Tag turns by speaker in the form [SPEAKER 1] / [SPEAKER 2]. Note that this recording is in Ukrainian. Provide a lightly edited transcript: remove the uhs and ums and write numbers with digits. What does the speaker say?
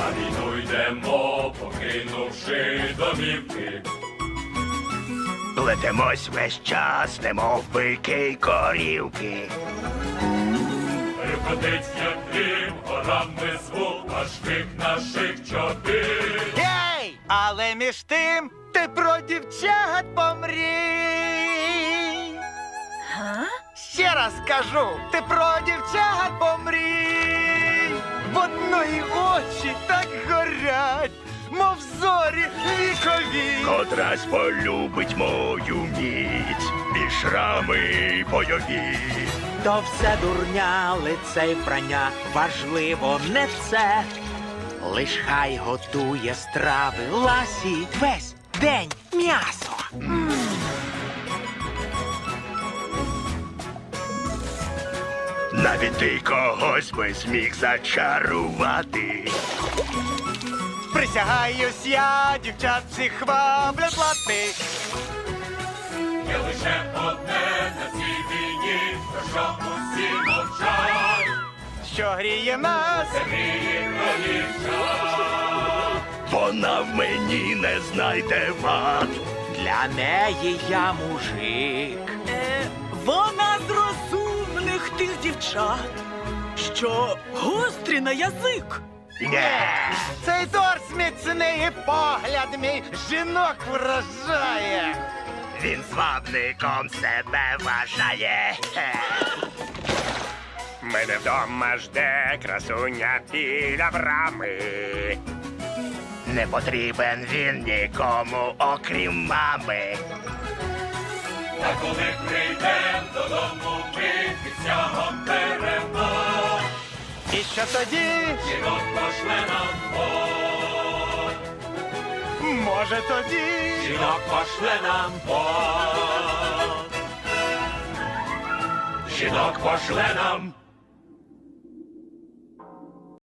[SPEAKER 1] На війну йдемо, покинувши домівки.
[SPEAKER 2] Плетемось весь час, немов бики й корівки.
[SPEAKER 1] Рюкотить, як грім, горами звук, аж крик наших чобіт.
[SPEAKER 3] Гей! Але між тим ти про дівчат помрій. Ще раз кажу, ти про дівчат помрій. В одної очі так горять, мов зорі вікові.
[SPEAKER 2] Котрась полюбить мою міць і шрами бойові.
[SPEAKER 4] То все дурня, лице й вбрання, важливо не це. Лиш хай готує страви, ласі весь день м'ясо.
[SPEAKER 2] Навіть ти когось би зміг зачарувати.
[SPEAKER 3] Присягаюсь я, дівчат всіх ваблять лати.
[SPEAKER 1] Є лише одне на цій війні, про що усі мовчать.
[SPEAKER 3] Що гріє нас,
[SPEAKER 1] Гріє провінчать.
[SPEAKER 2] Вона в мені не знайде вад.
[SPEAKER 4] Для неї я мужик.
[SPEAKER 5] Вона з розумних тих дівчат, що гострі на язик.
[SPEAKER 2] Нє.
[SPEAKER 3] цей торс міцний і погляд мій жінок вражає.
[SPEAKER 2] Він звабником себе вважає. Мене вдома жде красуня біля брами. Не потрібен він нікому, окрім мами.
[SPEAKER 1] Та коли прийдем додому, ми під стягом перемог.
[SPEAKER 3] І що тоді?
[SPEAKER 1] Жінок пошле нам Бог.
[SPEAKER 3] Може тоді?
[SPEAKER 1] Жінок пошле нам Бог. Жінок пошле нам